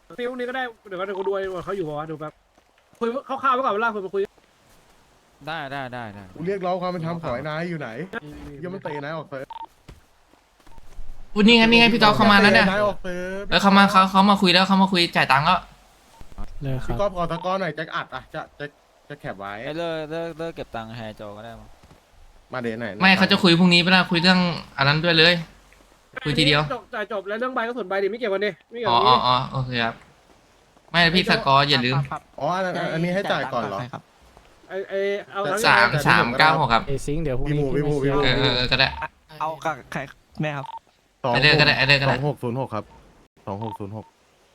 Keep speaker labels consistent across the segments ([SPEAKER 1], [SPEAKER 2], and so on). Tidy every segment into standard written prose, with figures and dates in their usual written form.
[SPEAKER 1] ฟิลนี้ก็ได้เดี๋ยวกูดูว่าเขาอยู่ป่าวะดูแบบคุยคร่าวๆไว้ก่อนเวลาคุยมาคุย
[SPEAKER 2] ได้
[SPEAKER 3] กูเรียกร้องความเป็นธรรมของไอ้นายอยู่ไหนยังมันเตะนายออกเซิร์ฟ
[SPEAKER 4] อุ้ยนี่ไงพี่ก๊อฟเข้ามาแล้วเนี่ย
[SPEAKER 3] นายออกเซิร์ฟ
[SPEAKER 4] เขามาคุยแล้วเขามาคุยจ่ายตังค์แล้ว
[SPEAKER 5] เลยค
[SPEAKER 3] พี่
[SPEAKER 5] รับ
[SPEAKER 3] ก๊อฟขอตะกร้อหน่อยจะอัดอ่ะจะแคบไว้
[SPEAKER 2] ไอ้เลิกเก็บตังค์แฮร์โจก็ได้มั้ง
[SPEAKER 3] มาเดี๋ยวไหน
[SPEAKER 4] ไม่เขาจะคุยพรุ่งนี้เวลาคุยเรื่องอันนั้นด้วยเลย คุยทีเดียว
[SPEAKER 1] จบแล้วเรื่องใบก็ส่วนใบดิไม่เกี่ยวกันดิไม่เกี่ยว
[SPEAKER 4] อ๋อ
[SPEAKER 1] กัน
[SPEAKER 4] อ๋อโอเคครับไม่พี่สกอร์อย่าลืม
[SPEAKER 3] อ๋ออันนี้ให้จ่ายก่อนเหรอ
[SPEAKER 1] ไอเอา
[SPEAKER 4] 396ครับ
[SPEAKER 5] เอซิงเดี๋ยวพรุ่งนี้
[SPEAKER 3] พี่หมู
[SPEAKER 4] ก็ได้
[SPEAKER 2] เอากับใครแม่ครับ
[SPEAKER 4] ไอเดอร์ก็ได้
[SPEAKER 3] 2606ครับ2606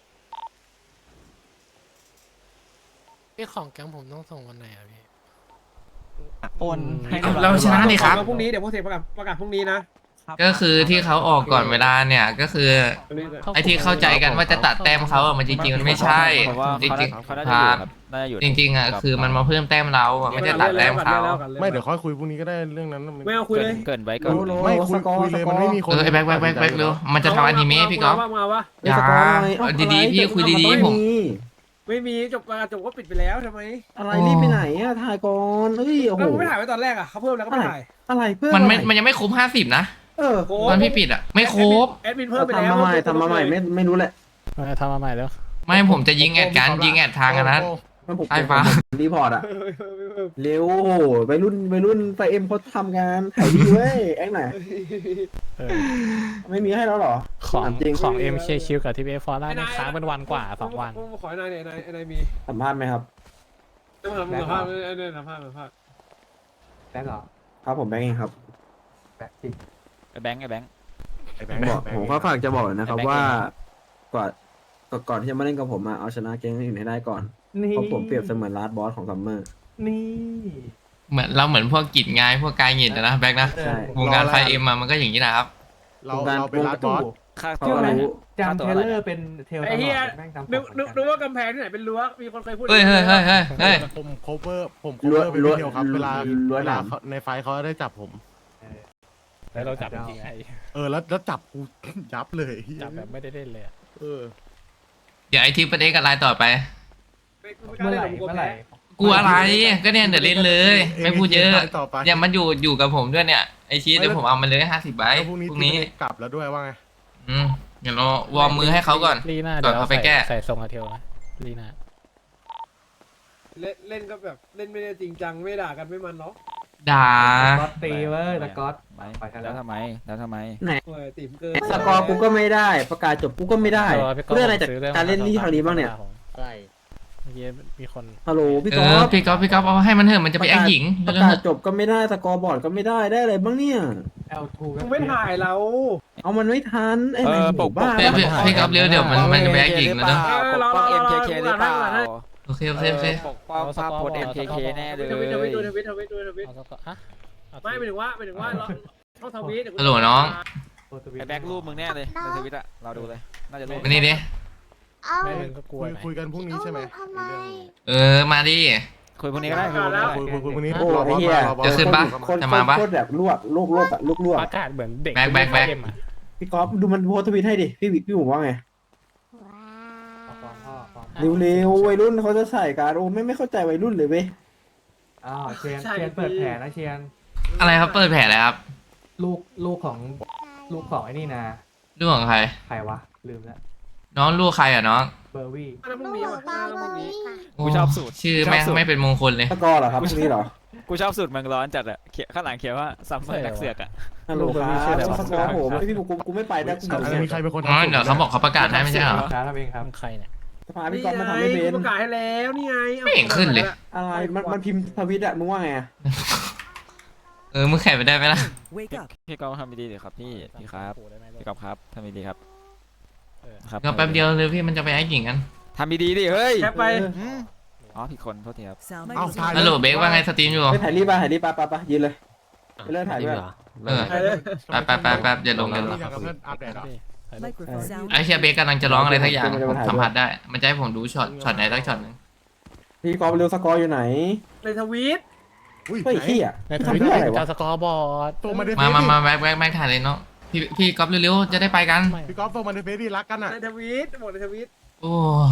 [SPEAKER 6] พี่ของแก๊งผมต้องส่งวันไหนอะพี่
[SPEAKER 2] โอนให้
[SPEAKER 4] เราชนะนี่ครับ
[SPEAKER 1] พรุ่งนี้เดี๋ยวพวกเสกประกาศพรุ่งนี้นะ
[SPEAKER 4] ก็คือที่เขาออกก่อนเวลาเนี่ยก็คือ ไอ้ที่เข้าใจกันว่าจะตัดแต้มเขาอะมันจริงๆมันไม่ใช่
[SPEAKER 2] เพราะว่า
[SPEAKER 4] จริง
[SPEAKER 2] เขาน่าจะอยู่ครับน่าจะอยู่
[SPEAKER 4] ๆจริงๆอ่ะคือมันมาเพิ่มแต้มเราอะไม่ได้ตัดแต้มเขา
[SPEAKER 3] ไม่เดี๋ยวค่อยคุยพรุ่งนี้ก็ได้เรื่องนั้น
[SPEAKER 1] ไม่เอาคุยเลย
[SPEAKER 2] เกินไว้ก่อน
[SPEAKER 3] ไม่คุยเลยมันไม่มีคน
[SPEAKER 4] ไอ้แบ็คเร็วมันจะทำอนิเมะพี่ก๊อฟ
[SPEAKER 1] มาวะ
[SPEAKER 4] อย่าดีๆพี่คุยดีๆผม
[SPEAKER 1] ไม่มีจบก็ปิดไปแล้วทำไม
[SPEAKER 7] อะไรรีบไปไหนอะถ่ายก่อนเอ้ยโอ้โห
[SPEAKER 1] แล้วไม่ถ่ายไว้ตอนแรกอ่ะเขาเพิ่มแล้วก็ไม่ถ่าย
[SPEAKER 7] อะไรเพื่อน
[SPEAKER 4] มันยังไม่ครบ50นะ
[SPEAKER 7] เออ
[SPEAKER 4] ตอนพี่ปิดอ่ะไม่ครบ
[SPEAKER 1] แอดมินเพิ่มไปแล้ว
[SPEAKER 7] ทำมาใหม่ไม่รู้แหละ
[SPEAKER 5] ทำมาใหม่แล้ว
[SPEAKER 4] ไม่ผมจะยิงแอดกันยิงแอดทางอันนั้น
[SPEAKER 7] มันผม
[SPEAKER 4] ไอ้ฟ้า
[SPEAKER 7] รีพอร์ตอะเร็วโอ้โหวัยรุ่นไฟเอ็มเขาทำงานถ่ายดีเว้ยแอคไหน
[SPEAKER 5] เออ
[SPEAKER 7] ไม่มีให้แล้วเหรอ
[SPEAKER 5] ของ
[SPEAKER 7] ถามจริง
[SPEAKER 5] ของ MK คิวกับทีพีเอฟฟอร์ล่าเนี่ยค้างเป็นวันกว่า2 วัน
[SPEAKER 1] ขอไอ้นายเนี่ยไอ้นายมี
[SPEAKER 7] สัมภาษณ์ไหมครับ
[SPEAKER 1] ต้องทำสัมภาษณ์ไอ้เนี่ยสัมภาษณ์
[SPEAKER 6] แบงค์เหรอ
[SPEAKER 7] ครับผมแบงค์เองครับ
[SPEAKER 6] แบงค์จริง
[SPEAKER 2] ไอ้แบงค์
[SPEAKER 7] ผมก็ฝากจะบอกนะครับว่าก่อนที่จะมาเล่นกับผมอะเอาชนะเกมอื่นให้ได้ก่อน
[SPEAKER 6] นี่
[SPEAKER 7] เพราะผมเปรียบเสมือนลาสบอสของซัมเมอร์
[SPEAKER 6] นี่
[SPEAKER 4] เหมือนพวกกิจงายพวกกายหยินนะแบ็คนะ
[SPEAKER 7] ใช่
[SPEAKER 4] วงการไฟเอ็มมันก็อย่างนี้นะครับ
[SPEAKER 3] เราเป็นรัดบอส
[SPEAKER 2] ค่า
[SPEAKER 7] เขา
[SPEAKER 2] ตัว
[SPEAKER 7] ก็
[SPEAKER 2] อะไร
[SPEAKER 7] รู้
[SPEAKER 6] จำเทเลอร์เป็นเทลตลอดแม่งจำ
[SPEAKER 1] นึกว่ากำแพงที่ไหนเป็นรั้วมีคนเคยพูด
[SPEAKER 4] เฮ้ย
[SPEAKER 3] ผม cover เป็นวิดีโอครับเวลาในไฟเขาได้จับผม
[SPEAKER 5] แล้วเราจับจริงๆไอ้
[SPEAKER 3] แล้วจับกูยับเลย
[SPEAKER 5] จับแบบไม่ได้เล่นเลยอะ
[SPEAKER 4] เดี๋ยวไอทีประเด็นกับไลน์ต่อไป
[SPEAKER 6] เมื่อไหร่
[SPEAKER 4] กูอะไรก็เนี่ยเดี๋ยวเล่นเลย ไม่พูดเยอะ
[SPEAKER 3] ต่อไป
[SPEAKER 4] เนี่ยมันอยู่กับผมด้วยเนี่ยไอชีสเดี๋ยวผมเอามันเลย50 ใบ
[SPEAKER 3] พรุ่ง
[SPEAKER 4] พรุ่งนี้
[SPEAKER 3] นี้กลับแล้วด้วยว่าไง
[SPEAKER 4] เดี๋ยวเราวอร์มมือให้เขาก่อน
[SPEAKER 5] ลีน่า
[SPEAKER 4] ก่อน
[SPEAKER 5] เดี๋ยว
[SPEAKER 4] เขาไปแก้
[SPEAKER 5] ใส่ทรงอาเทลนะลีน่า
[SPEAKER 1] เล่นก็แบบเล่นไม่ได้จริงจังไม่ด่ากันไม่มันเนาะ
[SPEAKER 4] ด่า
[SPEAKER 6] ก๊อตตีเว้ยตะก๊อต
[SPEAKER 2] แล้วทำไม
[SPEAKER 1] โอ้ยติ๋มเกิน
[SPEAKER 7] สกอร์กูก็ไม่ได้ประกาศจบกูก็ไม่ได้เรื่องอะไรจากการเล่นที่ทางนี้บ้างเนี่ย
[SPEAKER 5] อะไรเมื่อกี้มีคน
[SPEAKER 7] ฮัลโหลพี่
[SPEAKER 4] เอ
[SPEAKER 7] ก๊อ
[SPEAKER 4] อ
[SPEAKER 7] ฟ
[SPEAKER 4] พี่ก๊อฟเอาให้มันเถอะมันจะไปแอคหญิง
[SPEAKER 7] ประ
[SPEAKER 4] เรื่อง
[SPEAKER 7] กา
[SPEAKER 4] เถ
[SPEAKER 7] ศ
[SPEAKER 4] อะ
[SPEAKER 7] จบก็ไม่ได้สกอร์บอร์ดก็ไม่ได้อะไรบ้างเนี่ย
[SPEAKER 6] L2
[SPEAKER 1] มึงไม่ถ่ายเรา
[SPEAKER 7] เอามันไม่ทันไอ้ไหน
[SPEAKER 2] ปก
[SPEAKER 7] บ้า
[SPEAKER 4] พี่ก๊อฟเร็วเดี๋ยวมันจะไปแอคหญิงแล้วเนอะ
[SPEAKER 2] ปกป้อง MKK หรือเปล่า
[SPEAKER 4] โอเค
[SPEAKER 2] ปกป้องภาพโพส MKK แน่เลย
[SPEAKER 1] ทวิต
[SPEAKER 5] เอาสักฮะ
[SPEAKER 1] ไม่หมายถึงว่าต้องทวิต
[SPEAKER 4] ฮัลโหลน้อง
[SPEAKER 2] ไอ้แบ็ครูปมึงแน่เลยในทวิตอะเราดูเลยน่าจะรูป
[SPEAKER 4] มานี่ดิ
[SPEAKER 5] แม่มึงก็กลัวไหม
[SPEAKER 3] คุยกันพรุ่งนี้ใช่ไหม
[SPEAKER 4] มาดิ
[SPEAKER 2] คุยพวกนี้ก็ได้คุยพวกนี้ก็ได้
[SPEAKER 3] คุยพรุ่งนี้
[SPEAKER 7] โอ้ไอ้เหี้ย
[SPEAKER 4] จะขึ้นปะ
[SPEAKER 7] คน
[SPEAKER 4] จะมาปะ
[SPEAKER 7] โคตรแบบลวกอะลวก
[SPEAKER 5] ประกาศเหมือนเด็ก
[SPEAKER 4] แบ็ค
[SPEAKER 5] เกมอะ
[SPEAKER 7] พี่ก๊อฟดูมันโพสต์ทวิตให้ดิพี่หมูว่าไงเร็วๆวัยรุ่นเขาจะใส่การโอ้ไม่เข้าใจวัยรุ่นเลยเว้ย
[SPEAKER 6] อ้าวเชียนเปิดแผลนะเชียน
[SPEAKER 4] อะไรครับเปิดแผลแล้วครับ
[SPEAKER 6] ลูกของไอ้นี่นะ
[SPEAKER 4] เรื่องของใคร
[SPEAKER 6] ใครวะลืมแล้ว
[SPEAKER 4] น้องลูกใครอ่ะน้อง
[SPEAKER 6] เบอร์วี่
[SPEAKER 1] อันนั้นพรุ่งนี้
[SPEAKER 2] กูชอบสูตร
[SPEAKER 4] ชื่อแม่งไม่เป็นมงคลเลย
[SPEAKER 7] สกอร์เหรอครับพวกนี้เหรอ
[SPEAKER 2] กูชอบสูตรมังร้อนจัดอะข้างหลังเขียนว่าซัมเมอร์นักเสือกอะ
[SPEAKER 7] ฮัลโหลครับสกอร์โหพี่กูไม่ไปได้กู
[SPEAKER 3] มีใครเป็นคน
[SPEAKER 4] อ๋อเดี๋ยวเขาบอกเขาประกาศให้ไม่ใช่เหรอ
[SPEAKER 6] ช้าทำเองครับ
[SPEAKER 5] มึงใครเนี่ย
[SPEAKER 7] สภาพี่ก๊อฟมาทำไม่เป็น
[SPEAKER 1] ประกาศให้แล้วนี่ไง
[SPEAKER 4] ไม่เห็นขึ้นเลย
[SPEAKER 7] อะไรมันพิมพ์ทวิตอะมึงว่าไงอะ
[SPEAKER 4] มึงแข่งไปได้ไหมล่ะ
[SPEAKER 2] พี่กอล์ฟทำดีๆเดี๋ยวครับพี่ครับพี่กอล์ฟครับทำดีๆครับครับ
[SPEAKER 4] ก็แป๊บเดียวเลยพี่มันจะไปแอคหญิงกัน
[SPEAKER 2] ทำดีๆดิเฮ้ย
[SPEAKER 1] แคปไป
[SPEAKER 2] อ๋อผิดคนโทษทีครับ
[SPEAKER 3] เอาถ่าย
[SPEAKER 4] ฮัลโหลเบคว่าไงสตรีมอยู่
[SPEAKER 7] ไปถ่ายรีบไปยืนเลยไปเลิกถ่ายด้วย
[SPEAKER 4] แป๊บอย่าลง
[SPEAKER 3] อยากกับเพื่อนอัปเดตอ่ะ
[SPEAKER 4] ไอเชียเบคกำลังจะร้องอะไรสักอย่างผมสัมผัสได้ มันจะให้ผมดูช็อตไหนสักช็อตนึง
[SPEAKER 7] พี่ก๊อฟเร็วสกอร์อยู่ไหน
[SPEAKER 1] ในทวิต
[SPEAKER 7] เฮ้ยขี้อะ
[SPEAKER 5] ในทวิตเจ้าสกอร์บอร์ด
[SPEAKER 3] ตัวมาเดฟ
[SPEAKER 4] มาแบ็คถ่ายเลยเนาะพี่ก๊อฟเร็วๆจะได้ไปกัน
[SPEAKER 3] พี่ก๊อฟตัวมาเดฟดีรักกันอ่ะ
[SPEAKER 1] ในทวิตหมดในทวิต
[SPEAKER 4] โอ้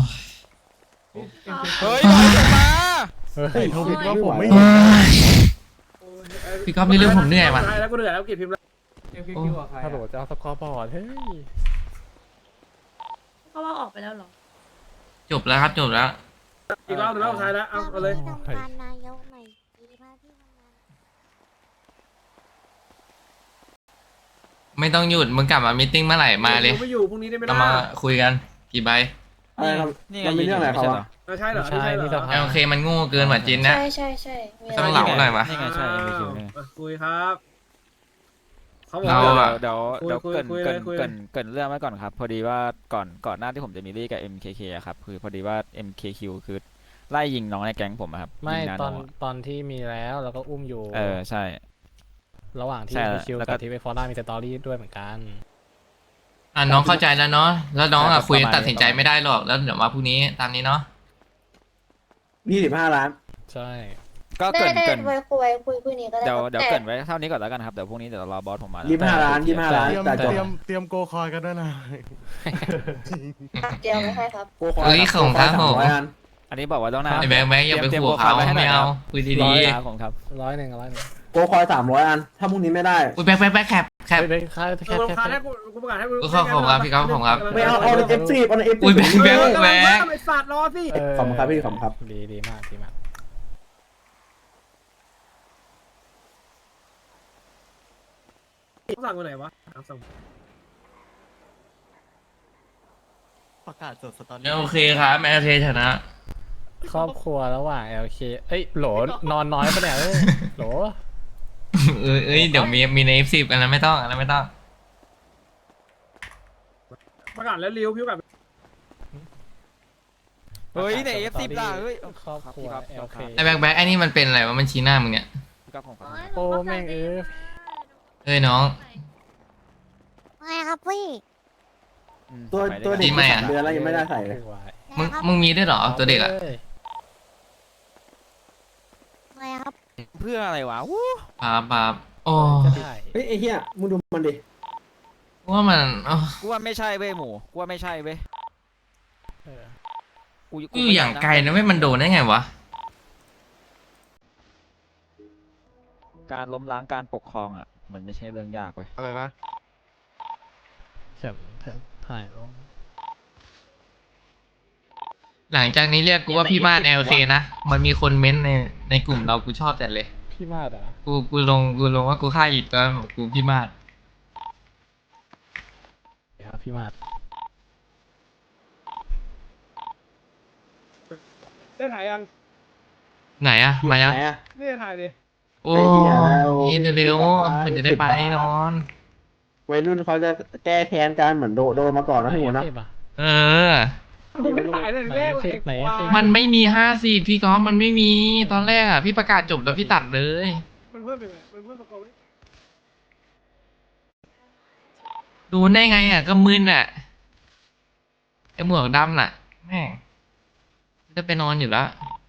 [SPEAKER 2] เฮ้ยน้อยลงมา
[SPEAKER 5] เฮ้ย
[SPEAKER 3] ทวิตว่าผมไม่
[SPEAKER 4] เฮ้ย พี่ก๊อฟนี่เรื่องผมเหนื่อยว่ะ
[SPEAKER 1] แล้วกูเหนื่อยแล้วกินพิมพ์แล้ว
[SPEAKER 5] ฮัลโหลจะเอาสกอร์บอร์ดเฮ้ย
[SPEAKER 8] ก็ว่าออกไปแล้วเหรอ
[SPEAKER 4] จบแล้วครับจบแล้ว
[SPEAKER 1] อีกรอบหนึ่งรอบสุดท้ายแล้วเอาเลย
[SPEAKER 8] ทำงานนายกใหม่ดีมากที่ทำงาน
[SPEAKER 4] ไม่ต้องหยุดมึงกลับมามีตติ้งเมื่อไหร่มาเลย
[SPEAKER 1] ไม่อยู่พรุ่งนี้ได้ไหม
[SPEAKER 4] เรา
[SPEAKER 1] ล่ะ
[SPEAKER 4] มาคุยกันกี่ใบ
[SPEAKER 7] อะไรครับ
[SPEAKER 2] นี่ไง
[SPEAKER 7] มันมีเรื่องอะไร
[SPEAKER 2] ไม่
[SPEAKER 7] เขา
[SPEAKER 2] ใช่เหร
[SPEAKER 7] วะ
[SPEAKER 2] อ
[SPEAKER 1] ใช่เหรอ
[SPEAKER 5] ใช่นี่สภา
[SPEAKER 4] โอเคมันโง่เกินกว่าจินนะ
[SPEAKER 8] ใช่มี
[SPEAKER 4] ต้
[SPEAKER 8] อะ
[SPEAKER 4] อง
[SPEAKER 8] ไร
[SPEAKER 4] เหลาหน่อยวะ
[SPEAKER 2] นี่ไงใช่ MBQ นี่ไง
[SPEAKER 1] คุยครับเขาบอก
[SPEAKER 4] เรา
[SPEAKER 1] ว่า
[SPEAKER 4] อะ
[SPEAKER 2] เดี๋ยว
[SPEAKER 1] คุย
[SPEAKER 2] เกิน
[SPEAKER 1] คุย
[SPEAKER 2] เกิน
[SPEAKER 1] คุย
[SPEAKER 2] เกินเกินเรื่องไว้ก่อนครับ พอดีว่าก่อนหน้าที่ผมจะมีเรื่องกับ MKK อะครับคือพอดีว่า MKQ คือไล่ยิงน้องในแก๊งผมอะครับ
[SPEAKER 5] ไม่
[SPEAKER 2] ยิงนา
[SPEAKER 5] ตอน
[SPEAKER 2] โะ
[SPEAKER 5] ตอนที่มีแล้วแล้วก็อุ้มอยู่
[SPEAKER 2] ใช่
[SPEAKER 5] ระหว่างที่
[SPEAKER 2] ใช่
[SPEAKER 5] ไปคิว
[SPEAKER 2] แล้วก็
[SPEAKER 5] กับที่ไปฟอร์ด้ามีสตอรี่ด้วยเหมือนกัน
[SPEAKER 4] อ่ะน้องเข้าใจแล้วเนาะแล้วน้องอ่ะ
[SPEAKER 2] แต่
[SPEAKER 4] คุย
[SPEAKER 2] ประมาณ
[SPEAKER 4] ตัดสินใจไม่ได้หรอกแล้วเดี๋ยวมาพรุ่งนี้ตามนี้เนาะ
[SPEAKER 7] 25 ล้าน
[SPEAKER 5] ใช่
[SPEAKER 2] ก็
[SPEAKER 8] ได้
[SPEAKER 2] เกิน
[SPEAKER 8] ไว้คุยนี้ก็ได้
[SPEAKER 2] เดี๋ยว
[SPEAKER 8] ครับ
[SPEAKER 2] เดี๋ยว
[SPEAKER 8] แต่
[SPEAKER 2] เกินไว้เท่านี้ก่อนแล้วกันครับเดี๋ยวพรุ่งนี้เดี๋ยวรอบอสผมมาแล้ว
[SPEAKER 7] 25 ล้าน 25 ล้าน
[SPEAKER 3] เตรียม
[SPEAKER 7] แต่จบ
[SPEAKER 3] เตรียมโกคอยกันด้วยนะ
[SPEAKER 8] เตรียมไว้ให้ครับ
[SPEAKER 7] โกคอย
[SPEAKER 4] เอ้ยของครับผม
[SPEAKER 7] 300อัน
[SPEAKER 2] อันนี้บอกว่าต้องหน้า
[SPEAKER 4] ไอ้แบงค์อย่าไป
[SPEAKER 2] ตรียม
[SPEAKER 4] ขู่เขา
[SPEAKER 2] ตรีย
[SPEAKER 4] ไม่เอา
[SPEAKER 2] โปรไฟล์ไว้ให้หน่ย
[SPEAKER 4] คุยดี
[SPEAKER 2] ครับของครับ
[SPEAKER 7] โกคอย300 อัน ถ้าพรุ่งนี้ไม่ได้
[SPEAKER 4] ๆอุ้ยแบงค์แคป
[SPEAKER 5] ไปค่า
[SPEAKER 1] เอ
[SPEAKER 5] แค่
[SPEAKER 1] อ
[SPEAKER 5] แค่
[SPEAKER 1] ประกาศให้
[SPEAKER 5] แค่
[SPEAKER 1] กูประกาศให้กู
[SPEAKER 4] ขอบคุณครับพี่ก๊อฟขอบคุณครับ
[SPEAKER 7] ไม่เอาใน F10 เอาใน F10
[SPEAKER 4] อุ้ยแบงค์
[SPEAKER 1] แบงค์ไอ้สัตว์รอสิ
[SPEAKER 7] ขอบคุณครับพี่ขอบคุณครับ
[SPEAKER 5] ดีมากดีมาก
[SPEAKER 1] ต้องสั่งกูไหนวะสั่ง
[SPEAKER 3] ประกาศสดสตอรี่
[SPEAKER 4] โอเคครับแมนเทชนะ
[SPEAKER 5] ครอบครัวระหว่าง LK เอ้ยโหลนอนน้อยปะเนี่ยเอ้ยโหล
[SPEAKER 4] เอ้ยเดี๋ยวมีใน F10 อันนั้นไม่ต้องอันนั้นไม่ต้อง
[SPEAKER 1] ประกาศแล้วริ้วพิ้วกับ
[SPEAKER 2] เฮ้ยใน F10 ล่ะเฮ้ย
[SPEAKER 5] ครอบครัว
[SPEAKER 2] ครับ
[SPEAKER 5] LK
[SPEAKER 4] ไอ้แบงค์ไอ้นี่มันเป็นอะไรวะมันชี้หน้ามึงเนี่ย
[SPEAKER 2] พี่ก๊อฟของครับ
[SPEAKER 5] โอ้แม่งเอ้ย
[SPEAKER 4] เอ้ยน้อง
[SPEAKER 8] ไงครับพี่
[SPEAKER 7] ตัวเด็ก
[SPEAKER 4] ดีไหมอะ
[SPEAKER 7] 3 เดือนแล้วยังไม่ได้ใส่เลย
[SPEAKER 4] มึงมีด้วยเหรอตัวเด็กอ่ะ
[SPEAKER 8] ไงครับ
[SPEAKER 2] เพื่ออะไรวะวู้
[SPEAKER 4] ปั๊บโอ้
[SPEAKER 5] จะได้
[SPEAKER 7] เฮ้ยไอ้เหี้ยมึงดูมันดิ
[SPEAKER 4] ว่ามันอ๋อ
[SPEAKER 2] กูว่าไม่ใช่เว้ยหมูกูว่าไม่ใช่เว้ย
[SPEAKER 5] เออ
[SPEAKER 2] กู
[SPEAKER 4] กูอยู่อย่างไกลนะไม่มันโดนได้ไงวะ
[SPEAKER 2] การล้มล้างการปกครองอ่ะมันไม่ใช่เรื่องยากเว้ย
[SPEAKER 3] อะไรนะ
[SPEAKER 5] เข็มถ่ายลง
[SPEAKER 4] หลังจากนี้เรียกกูว่าพี่มาด LK นะมันมีคนเม้นต์ในกลุ่มเรากูชอบแต่เลย
[SPEAKER 5] พี่มาดอ่ะ
[SPEAKER 4] กูลงว่ากูฆ่าอิดตอนกูพี่มาด
[SPEAKER 5] ครับพี่มาด
[SPEAKER 1] ได้ถ่ายยัง
[SPEAKER 4] ไหนอะมายัง
[SPEAKER 7] ไหนอะ
[SPEAKER 1] นี่ถ่ายดิ
[SPEAKER 4] โอ้
[SPEAKER 7] ไอ้เหี้ย
[SPEAKER 4] ยเร็วๆมันจะได้ไปนอน
[SPEAKER 7] วัยรุ่นเขาจะแก้แค้นกันเหมือนโดนมาก่อนนะพี่หมูนะ
[SPEAKER 5] เทพอ่ะ
[SPEAKER 4] เออ
[SPEAKER 1] ไม่ถ่ายเลยแรก
[SPEAKER 5] ไหน
[SPEAKER 4] มันไม่มี50พี่ก๊อฟมันไม่มีตอนแรกอะพี่ประกาศจบแล้วพี่ตัดเลย
[SPEAKER 1] มันเพิ่มไปไหมมันเพิ่มประกอบ
[SPEAKER 4] ดูได้ไงอะก็มึนอะไอหมวกดำน่ะแม่งจะไปนอนอยู่แล้ว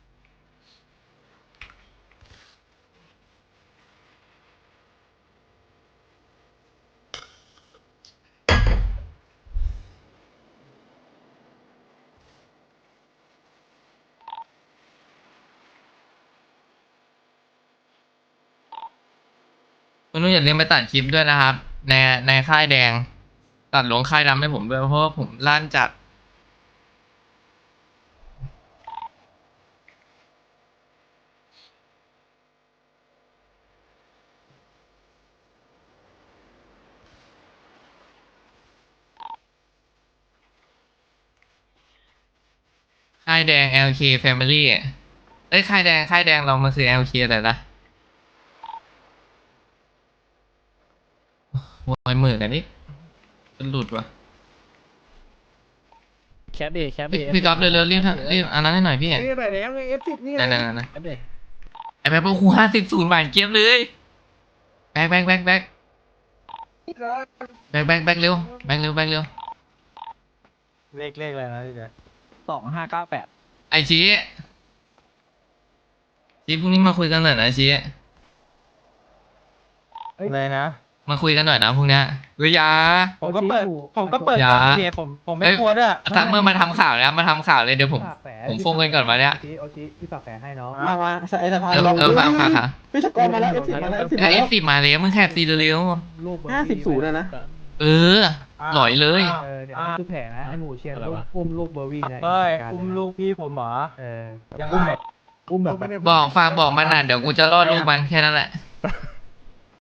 [SPEAKER 4] คุณนุ่นอย่าลืมไปตัดคลิปด้วยนะครับ ในค่ายแดง ตัดลงค่ายดำให้ผมด้วยเพราะว่าผมลั่นจัดค่ายแดง LK Family เอ้ยค่ายแดงเรามันคือ LK อะไรนะวอยมือกันนี่เป็นหลุดวะ
[SPEAKER 5] แคปดิแคปดิ
[SPEAKER 4] พี่ก๊อฟเร็วๆรีบอันนั้นให้หน่อยพี่
[SPEAKER 1] นี่ถ่ายแล้วไง F10 นี่ไง
[SPEAKER 4] นั่น
[SPEAKER 5] แคปดิ
[SPEAKER 4] ไอ้แป๊บกู50-0หวานเจี๊ยบเลยแบกเร็วแบกเร็ว
[SPEAKER 5] เลขอะไรนะพี่แจ๊ค
[SPEAKER 2] 2598
[SPEAKER 4] ไอชี้พรุ่งนี้มาคุยกันหน่อยนะชี้
[SPEAKER 5] อะไรนะ
[SPEAKER 4] มาคุยกันหน่อยนะพวกเนี้ยเฮ้ยอยา
[SPEAKER 9] ผมก็เปิด
[SPEAKER 4] อย่า
[SPEAKER 9] เพจผมไม่กลัวด้วย
[SPEAKER 4] ถ้าเมื่อมาทำข่าวแล้วมาทำข่าวเลยเดี๋ยวผมโฟงเงินก่อนมาเนี่ย
[SPEAKER 9] โอชิพี่ฝากแผลให้น้องมาไอ้สะพาน
[SPEAKER 4] ฟังค่ะ
[SPEAKER 9] พี่สกอร์มาแล้วF10มาแล้ว
[SPEAKER 4] ไอ้F10มาเลยมึงแค่ตีเร็ว
[SPEAKER 9] 50-0นะ
[SPEAKER 4] เออหน่อยเลย
[SPEAKER 9] เดี๋ยวคือแผลนะไอ้หมูเชียนอุ้มลูกเบอร์วี่นะ
[SPEAKER 5] เฮ้ยอุ้มลูกพี่ผมเหรอ
[SPEAKER 9] ยังอุ้มแบบ
[SPEAKER 4] บอกฝากบอกมันน่ะเดี๋ยวกูจะรอดลูกมันแค่นั้นแหละ